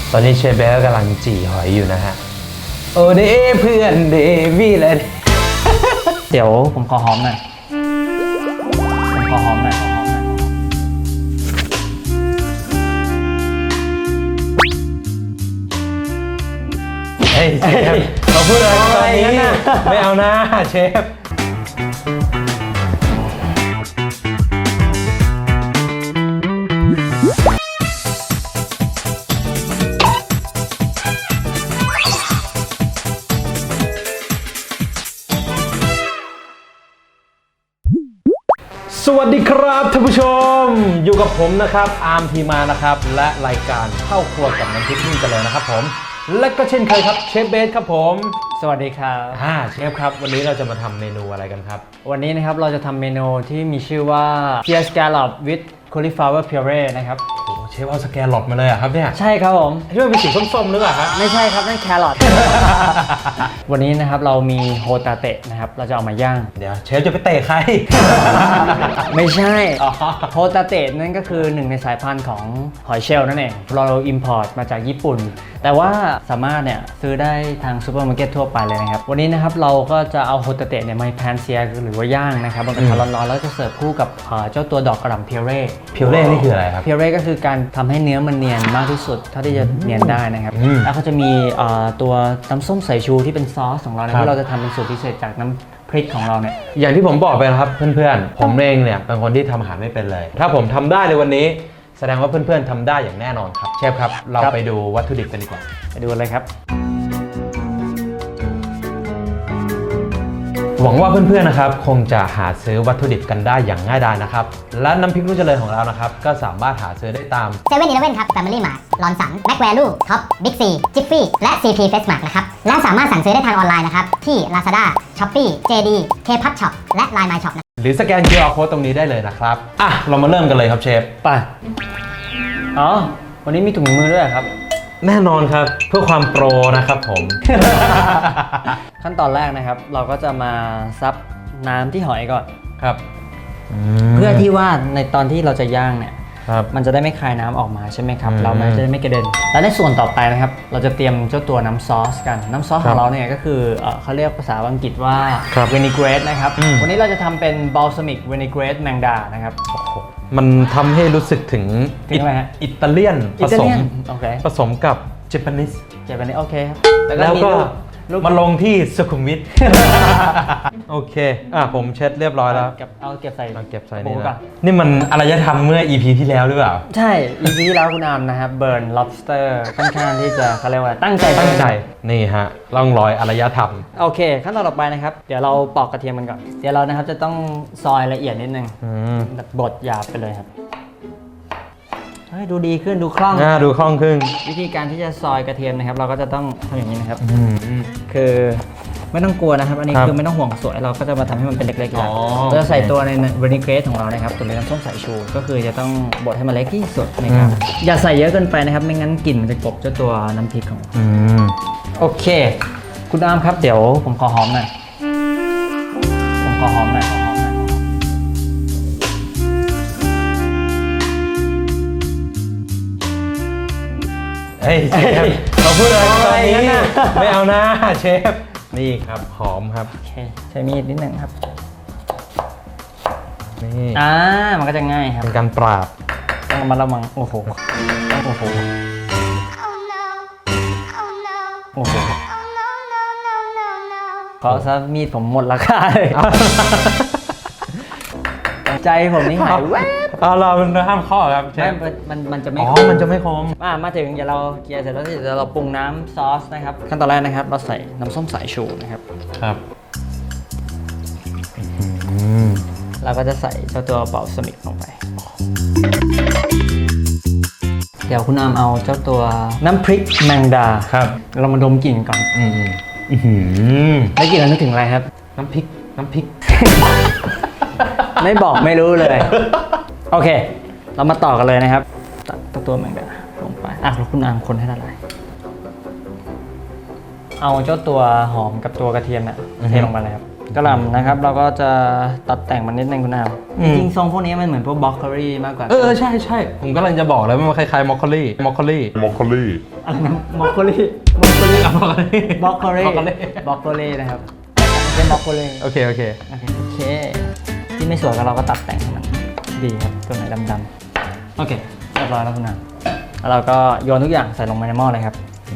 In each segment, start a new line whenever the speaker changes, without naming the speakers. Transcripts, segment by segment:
ตอนนี้เชฟเบลกำลังจี่หอยอยู่นะฮะโอเดเพื่อนเดวี่เลย
เดี๋ยวผมขอหอมหน่อย
เฮ้ยเชฟเราพูดอะไรตอนนี้ไม่เอานะเชฟสวัสดีครับท่านผู้ชมอยู่กับผมนะครับอาร์มทีมานะครับและรายการเข้าครัวกับน้ำพริกนุ่นเจริญนะครับผมและก็เช่นเคยครับเชฟเบสครับผม
สวัสดีครับ
เชฟครับวันนี้เราจะมาทำเมนูอะไรกันครับ
วันนี้นะครับเราจะทำเมนูที่มีชื่อว่า Pear Scallop with Cauliflower Puree นะครับ
โอ้เชฟเอาสแกนหลอดมาเลยอะครับเนี่ย
ใช่ครับผม
ที่มันเป็นสีส้มๆหรือเปล่าครับ
ไม่ใช่ครับนั่นแครอท วันนี้นะครับเรามีโฮตาเตะนะครับเราจะเอามาย่าง
เดี๋ยวเชฟจะไปเตะใคร
ไม่ใช่โฮตาเตะนั่นก็คือหนึ่งในสายพันธุ์ของหอยเชลล์นั่นเองเราอิมพอร์ตมาจากญี่ปุ่นแต่ว่าสามารถเนี่ยซื้อได้ทางซูเปอร์มาร์เก็ตทั่วไปเลยนะครับวันนี้นะครับเราก็จะเอาโฮตาเตะเนี่ยมาแพนเซียหรือว่าย่างนะครับบนกระทะร้อนๆแล้วจะเสิร์ฟคู่กับเจ้าตัวดอกกระหล่ำเพียเร่
นี่คืออะไรครับ
เพียเร่ก็คือการทำให้เนื้อมันเนียนมากที่สุดเท่าที่จะเนียนได้นะครับแล้วก็จะมีตัวน้ำส้มสายชูที่เป็นซอสของเราเนี่ยที่เราจะทำเป็นสูตรพิเศษจากน้ำพริกของเราเนี่ย
อย่างที่ผมบอกไปนะครับเพื่อนๆผมเองเนี่ยเป็นคนที่ทำอาหารไม่เป็นเลยถ้าผมทำได้ในวันนี้แสดงว่าเพื่อนๆทำได้อย่างแน่นอนครับเชฟครับเราไปดูวัตถุดิบกันดีกว่า
ไปดูเลยครับ
หวังว่าเพื่อนๆนะครับคงจะหาซื้อวัตถุดิบกันได้อย่างง่ายดายนะครับและน้ำพริกนุ่นเจริญของเรานะครับก็สามารถหาซื้อได้ตาม
เซเว่นอีเลฟเว่นครับ Family Mart ลอนสันแม็กแวลูท็อปบิ๊กซีจิฟฟี่และ CP Fresh Mart นะครับและสามารถสั่งซื้อได้ทางออนไลน์นะครับที่ Lazada Shopee JD Kpop Shop และ Line My Shop นะ
หรือสแกน QR Code ตรงนี้ได้เลยนะครับเรามาเริ่มกันเลยครับเชฟ
ไปวันนี้มีถุงมือด้วยครับ
แน่นอนครับเพื่อความโปรนะครับผม
ขั้นตอนแรกนะครับเราก็จะมาซับน้ำที่หอยก่อน
ครับ
เพื่อที่ว่าในตอนที่เราจะย่างเนี่ยมันจะได้ไม่คายน้ำออกมาใช่ไหมครับเราจะได้ไม่กระเด็นและในส่วนต่อไปนะครับเราจะเตรียมเจ้าตัวน้ำซอสกันน้ำซอสของเราเนี่ยก็คือเขาเรียกภาษาอังกฤษว่า vinaigrette นะครับวันนี้เราจะทำเป็น balsamic vinaigrette แมงดานะครับ
มันทำให้รู้สึกถึงอิตาเลียนผสมกับเจแปนิส
โอเคครับ
แล้วก็มาลงที่สุขุมวิท โอเคผมเช็ดเรียบร้อยแล้ว
เก็บใส่
นี่นะนี่มันอารยธรรมเมื่อ EP ที่แล้วหรือเปล่า
ใช่ EP ที่แล้วคุณอามนะครับเบิร์น lobster ค่อนข้างที่จะเขาเรียกว่าตั้งใจ
นี่ฮะร่องรอยอารยธรรม
โอเคขั้นตอนต่อไปนะครับเดี๋ยวเราปอกกระเทียมกันก่อนเดี๋ยวเรานะครับจะต้องซอยละเอียดนิดนึงบดหยาบไปเลยครับดูดีขึ้นดูคล่อง
ขึ้น
วิธีการที่จะซอยกระเทียมนะครับเราก็จะต้องทำอย่างนี้นะครับคือไม่ต้องกลัวนะครับอันนี้คือไม่ต้องห่วงสวยเราก็จะมาทำให้มันเป็นเล็กๆแล้วเราจะใส่ตัวในวินิเกรตของเรานะครับตัวนี้น้ำส้มสายชูก็คือจะต้องบดให้มันเล็กที่สุดนะครับอย่าใส่เยอะเกินไปนะครับไม่งั้นกลิ่นมันจะกลบเจ้าตัวน้ำพริกของโอเคคุณอามครับเดี๋ยวผมขอหอมหน่อย
เฮ้ยเชฟเราพูดอะไรตอนนี้ไม่เอานะเชฟนี่ครับหอมครับ
โอเคใช้มีดนิดหนึ่งครับ
นี่
มันก็จะง่ายครับ
เป็นการปราบ
ต้องมาระวังโอ้โหขอซะมีดผมหมดราคาเลยใจผมนี่หายแวบ
เราห้ามข้อครับ
มันจะไม่
มันจะไม่คม
มาถึงเดี๋ยวเราเกลี่ยเสร็จแล้วเดี๋ยวเราปรุงน้ำซอสนะครับขั้นตอนแรกนะครับเราใส่น้ำส้มสายชูนะครับเราก็จะใส่เจ้าตัวเบลซามิกลงไปเดี๋ยวคุณอามเอาเจ้าตัวน้ำพริกแมงดา
ครับ
เรามาดมกลิ่นก่อนได้กลิ่นแล้วนึกถึงอะไรครับ
น้ำพริก
ไม่บอกไม่รู้เลยโอเคเรามาต่อกันเลยนะครับตัดตัวแมงดาลงไปแล้วคุณอามคนให้ละลายเอาเจ้าตัวหอมกับตัวกระเทียมเทลงมาเลยครับกระหล่ำนะครับเราก็จะตัดแต่งมันนิดนึงคุณอาม
อื
จ
ม
ริงๆทรงพวกนี้มันเหมือนพวกบล็อกโคลี่มากกว่า
ใช่ใช่ผมกำลังจะบอกเลยว่ามันคล้ายๆมอคคอลี่
อะไรนะบล็อกโคลี่บล็อกโคลี่บล็อกโคลี่
Broccoli
บล็อกโคลี่นะครับเป็นบล็อกโคลี่
โอเคโอเค
โอเคที่ไม่สวยก็เราก็ตัดแต่งให้มันดีครับตัวไหนดำๆโอเคเรียบร้อยแล้วคุณอามแล้วเราก็โยนทุกอย่างใส่ลงไปในหม้อเลยครับ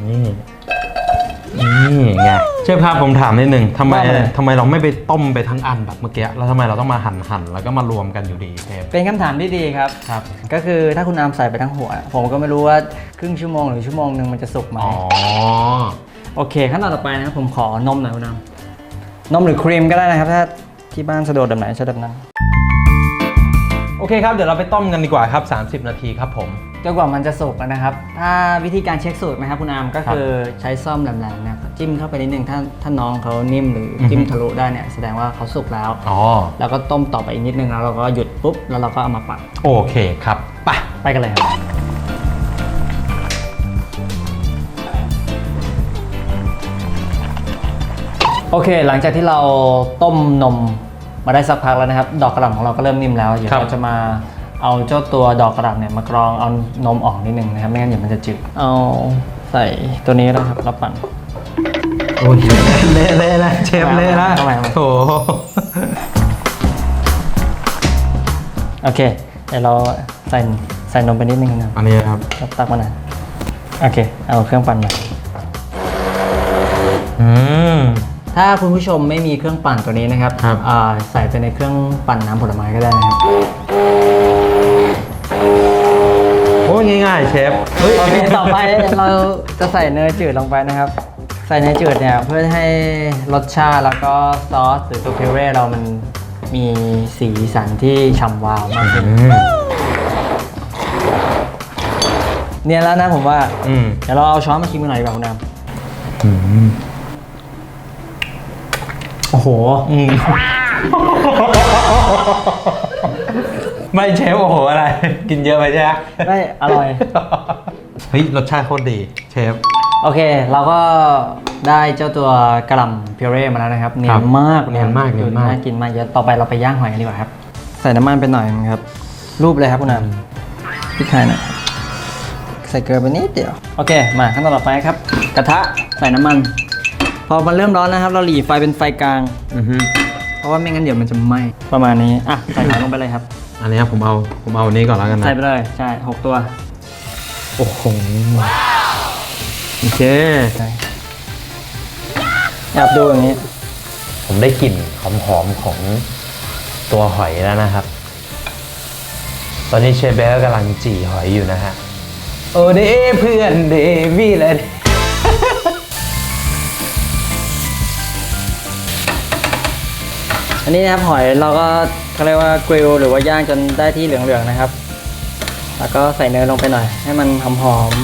นี่ไงเชฟครับผมถามนิดนึงทำไม
ว่ามาเลย
เราไม่ไปต้มไปทั้งอันแบบเมื่อกี้แล้วทำไมเราต้องมาหั่นแล้วก็มารวมกันอยู่ดีเชฟ
เป็นคำถามที่ดีครับ
ครับ
ก็คือถ้าคุณอามใส่ไปทั้งหัว ผมก็ไม่รู้ว่าครึ่งชั่วโมงหรือชั่วโมงหนึ่งมันจะสุกไหม
อ๋อ
โอเคขั้นตอนต่อไปนะครับผมขอนมหน่อยคุณอามนมหรือครีมก็ได้นะครับถ้าที่บ้านสะดวกแบบไหนใช้แบบนั้น
โอเคครับเดี๋ยวเราไปต้มกันดีกว่าครับ30 นาทีครับผม
จนกว่ามันจะสุกนะครับถ้าวิธีการเช็คสูตรนะครับคุณอามก็คือใช้ซ่อมแหลมๆนะครับจิ้มเข้าไปนิดนึงถ้าน้องเขานิ่มหรือจิ้มทะลุได้เนี่ยแสดงว่าเขาสุกแล้ว
อ๋อ
แล้วก็ต้มต่อไปอีกนิดนึงแล้วเราก็หยุดปุ๊บแล้วเราก็เอามาปัด
โอเคครับไป
กันเลยครับโอเค หลังจากที่เราต้มนมมาได้สักพักแล้วนะครับ ดอกกระหล่ำของเราก็เริ่มนิ่มแล้วเดี๋ยวเราจะมาเอาเจ้าตัวดอกกระหล่ำเนี่ยมากรองเอานมออกนิดนึงนะครับไม่งั้นเดี๋ยวมันจะจืดเอาใส่ตัวนี้แล้วครับแล้วปั่น
โอ้ยเละนะเชฟเละนะ
ทำไม
โอ้
โอเคเดี๋ยวเราใส่นมไปนิดนึงนะ
อันนี้ครับ
ตักมาหน่อยโอเคเอาเครื่องปั่นมา ถ้าคุณผู้ชมไม่มีเครื่องปั่นตัวนี้นะครับ
ครับ
ใส่ไปในเครื่องปั่นน้ำผลไม้ก็ได้นะครับ
โอ้ยง่ายๆเชฟ
โอเคต่อไปเราจะใส่เนยจืดลงไปนะครับ ใส่เนยจืดเนี่ยเพื่อให้รสชาติแล้วก็ซอสหรือตัวพิเร่เรามันมีสีสันที่ฉ่ำวาวมากขึ้นเนี่ยแล้วนะผมว่าเดี๋ยวเราเอาช้อนมาชิมกันหน่อยดีกว่าคุณน้ำโอ้โห
ไม่เชฟโอ้โหอะไร กินเยอะไปใช่ไหม
ไม่อร่อย
เฮ้ยรสชาติโคตรดีเชฟ
โอเค เราก็ได้เจ้าตัวกระหล่ำพิเร่มาแล้วนะครับเนียนมาก
เนียนมาก
ดูน่ากินมากเยอะต่อไปเราไปย่างหอยกันดีกว่าครับ ใส่น้ำมันไปหน่อยนึงครับ รูปเลยครับคุณน้ำพริกไทยหน่อยใส่เกลือไปนิดเดียวโอเคมาขั้นตอนต่อไปครับ กระทะใส่น้ำมัน พอมันเริ่มร้อนนะครับ เราหลีไฟเป็นไฟกลางเพราะว่าไม่งั้นเดี๋ยวมันจะไหม้ประมาณนี้อ่ะใส่หอยลงไปเลยครับ
อันนี้ผมเอาอันนี้ก่อนแล้วกันนะ
ใส่ไปเลยใช่6ตัว
โอ้โหโอเค
แอบดูอย่างนี้
ผมได้กลิ่นหอมๆของตัวหอยแล้วนะครับ ตอนนี้เชฟเบลกำลังจี่หอยอยู่นะฮะโอ้เด้เพื่อนเดวี่เลย
อันนี้นะครับหอยเราก็เขาเรียกว่ากริลหรือว่าย่างจนได้ที่เหลืองๆนะครับ แล้วก็ใส่เนยลงไปหน่อยให้มันหอม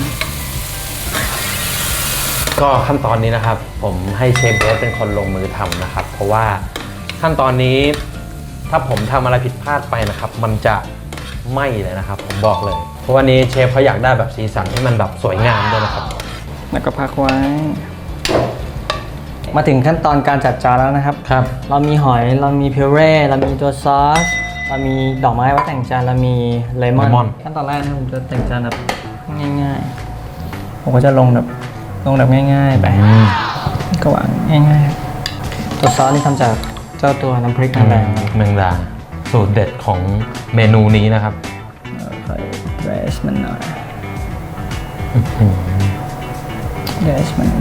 ก็ขั้นตอนนี้นะครับ ผมให้เชฟเบสเป็นคนลงมือทำนะครับ เพราะว่าขั้นตอนนี้ถ้าผมทำอะไรผิดพลาดไปนะครับ มันจะไหม้เลยนะครับ ผมบอกเลย เพราะวันนี้เชฟเขาอยากได้แบบสีสันที่มันแบบสวยงามด้วยนะครับ
ๆแล้วก็พักไว้ มาถึงขั้นตอนการจัดจานแล้วนะครับ
ครับ
เรามีหอยเรามีพิเร่เรามีตัวซอสเรามีดอกไม้ไว้แต่งจานเรามีเลมอน ขั้นตอนแรกนะผมจะแต่งจานแบบง่ายๆผมก็จะลงแบบง่ายๆไปก็วางง่ายๆตัวซอสนี่ทำจากเจ้าตัวน้ำพริกแดง
แมงดาสูตรเด็ดของเมนูนี้นะครับ
ใส่เดรสมันหน่อยเดรสมัน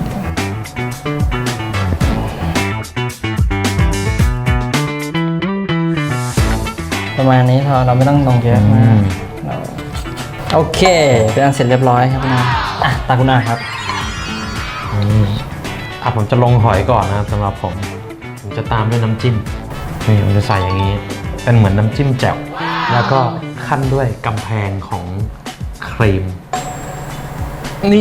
ประมาณนี้พอเราไม่ต้องลงเยอะมากโอเคเป็นอันเสร็จเรียบร้อยครับคุณอาตาคุณอาครับ
ผมจะลงหอยก่อนนะครับสำหรับผมจะตามด้วยน้ำจิ้มนี่ผมจะใส่อย่างนี้เป็นเหมือนน้ำจิ้มแจ่วแล้วก็ขั้นด้วยกำแพงของครีมนี่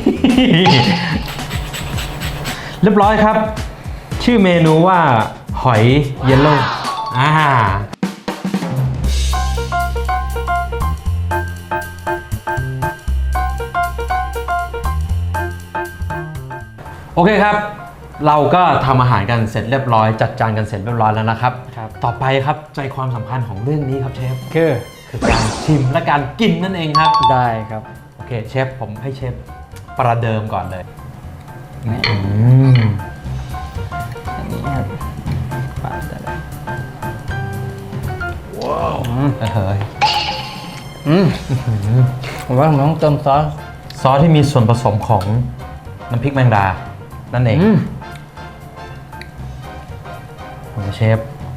เรียบร้อยครับ ชื่อเมนูว่าหอยเยลโล่โอเคครับเราก็ทำอาหารกันเสร็จเรียบร้อยจัดจานกันเสร็จเรียบร้อยแล้วนะครับ
ครับ
ต่อไปครับใจความสำคัญของเรื่องนี้ครับเชฟ
คือ
คือการชิมและการกินนั่นเองครับ
ได้ครับ
โอเคเชฟผมให้เชฟประเดิมก่อนเลย
นี่
อืม
อันนี้ครับปาดได้เลย
เฮ้ย
ผมว่าผมต้องเติมซอส
ซอสที่มีส่วนผสมของน้ำพริกแมงดานั่นเองโอ้เชฟ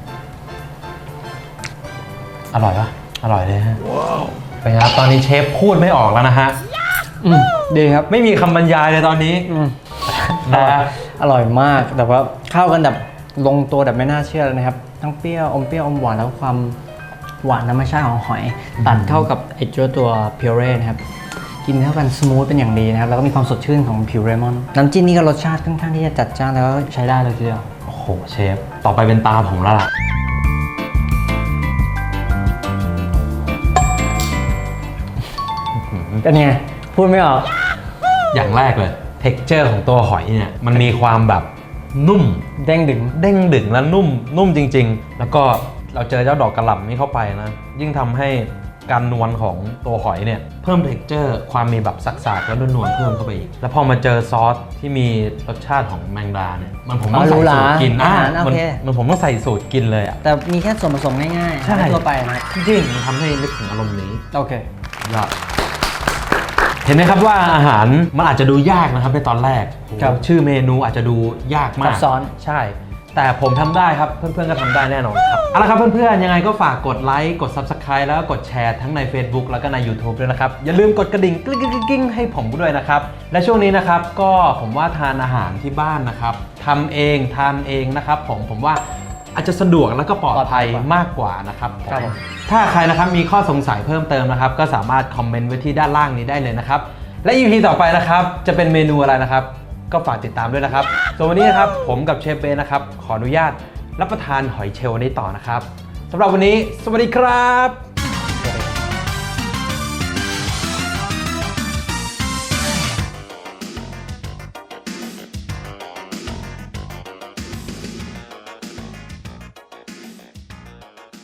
อร่อยปะอร่อยเลยฮะเป็นไงครับตอนนี้เชฟพูดไม่ออกแล้วนะฮะ
ดีครับ
ไม่มีคำบรรยายเลยตอนนี้นะฮะ
อร่อยมากแต่ว่าเข้ากันแบบลงตัวแบบไม่น่าเชื่อเลยนะครับทั้งเปรี้ยวอมเปรี้ยวอมหวานแล้วความหวานธรรมชาติของหอยตัดเข้ากับไอ้ตัวพิวเร่นะครับกินเข้ากันสมูทเป็นอย่างดีนะครับแล้วก็มีความสดชื่นของพิวเรมอนน้ำจิ้มนี่ก็รสชาติค่อนข้างที่จะจัดจ้านแล้วก็ใช้ได้เลยทีเดียว
โอ้โหเชฟต่อไปเป็นตาผมแล้วล่ะ
เป็นไงพูดไม่ออก
อย่างแรกเลย texture ของตัวหอยเนี่ยมันมีความแบบนุ่ม
เด้งดึง
เด้งดึงและนุ่มจริงๆ แล้วก็เราเจอเจ้าดอกกระหล่ำนี้เข้าไปนะยิ่งทำให้การนวลของตัวหอยเนี่ยเพิ่ม texture ความมีแบบสักๆแล้วนวลๆเพิ่มเข้าไปอีกแล้วพอมาเจอซอสที่มีรสชาติของแมงดาเนี่ยมันผมต้องใส่สูตรกิน
อาหารโอเค
มันผมต้องใส่สูตรกินเลยอ่ะ
แต่มีแค่ส่วนผสมง่ายๆ
ใช่
ทั่วไปนะ
จริงๆมันทำให้นึกถึงอารมณ์นี้
โอเค
ยอดเห็นไหมครับว่าอาหารมันอาจจะดูยากนะครับในตอนแรก
ครับ
ชื่อเมนูอาจจะดูยากมา
ซั
ก
บซ้อน
ใช่ แต่ผมทำได้ครับเพื่อนๆก็ทำได้แน่นอนครับเอาละครับเพื่อนๆยังไงก็ฝากกดไลค์กด Subscribe แล้วก็กดแชร์ทั้งใน Facebook แล้วก็ใน YouTube ด้วยนะครับอย่าลืมกดกระดิ่งกริ๊งๆให้ผมด้วยนะครับและช่วงนี้นะครับก็ผมว่าทานอาหารที่บ้านนะครับทำเองทานเองนะครับผมว่าอาจจะสะดวกแล้วก็ปลอดภัยมากกว่านะครับ
ครับผม
ถ้าใครนะครับมีข้อสงสัยเพิ่มเติมนะครับก็สามารถคอมเมนต์ไว้ที่ด้านล่างนี้ได้เลยนะครับและ EP ต่อไปนะครับจะเป็นเมนูอะไรนะครับก็ฝากติดตามด้วยนะครับส่วนวันนี้นะครับผมกับเชฟเบนะครับขออนุญาตรับประทานหอยเชลล์นี้ต่อนะครับสำหรับวันนี้สวัสดีครับ